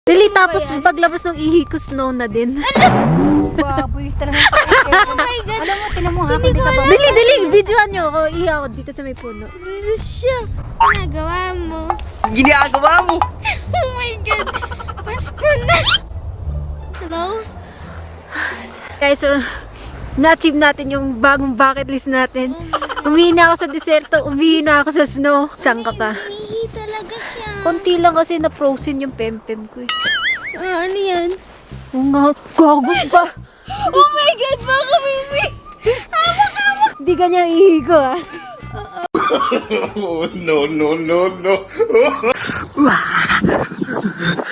Dili, tapos paglabas ng ihi ko, snow na din. Baboy talaga. Oh my God. Alam mo, tinan mo ha, kung di ka ba? Dili, videoan nyo ako. Ihi ako dito sa may puno. Rusya, ginagawa mo. Ginagawa mo. Oh my God, Pasko na. Hello? Guys, so, na-achieve natin yung bagong bucket list natin. Umihi na ako sa deserto, umihi na ako sa snow. Saan ka pa? Umihi talaga siya. Konti lang kasi na-frozen yung pempem ko eh. Ano yan? Oo nga, gagos pa. Oh my God, baka baby. Hindi ganyan ihi ko ah. Oh, no, no, no, no.